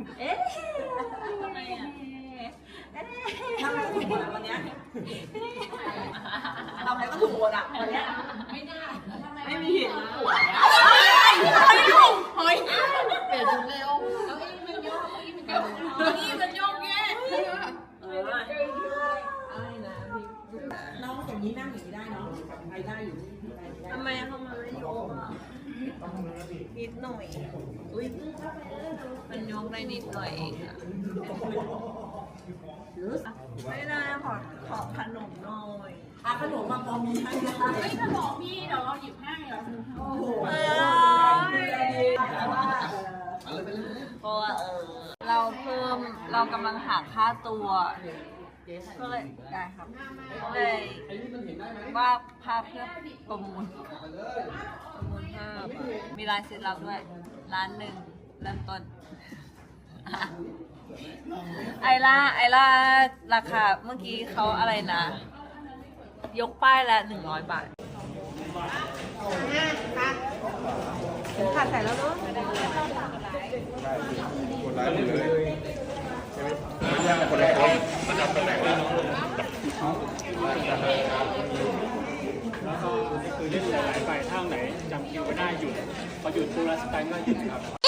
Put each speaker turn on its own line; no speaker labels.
เอ๊ะทำไมอ่ะทำอะไรก็ถูกหมดวันนี้ทำอะไรก็ถูกหมดอ่ะวันนี้ไม่ได้ไม่มีเหตุผลเฮ้ยเฮ้ยเปลี่ยนชุดเร็วเก้าอี้มันโยกเก้าอี้มันโยกแย่น้องอย่างนี้นั่งอย่างนี้ได้เนาะไปได้อยู่ทำไมเขามาไม่โยกอ่ะนิดหน่อยอุ้ยมันโยกได้นิดหน่อยเองอ่ะไม่ได้ขอขนมหน่อยขนมมาพอมีให้นะคะไม่ขนมพี่เดี๋ยวเราหยิบให้เหรอโอ้โหเพราะว่าเรากำลังหาค่าตัวก็เลยได้ครับเลยว่าภาพเพื่อประมูลภาพมีลายเซ็นเราด้วย1,000,000เริ่มต้นไอล่าราคาเมื่อกี้เขาอะไรนะ ยกป้ายละ100 บาทขาดใส่แล้วเนาะ
คนร้ายหมดเลยไม่ยากคนละคนประจำตำแหน่งแล้ว
คือเล่นหลายๆใบถ้าไหนจำคิวไม่ได้หยุดพอหยุดตัวสไตล์ก็หยุดครับ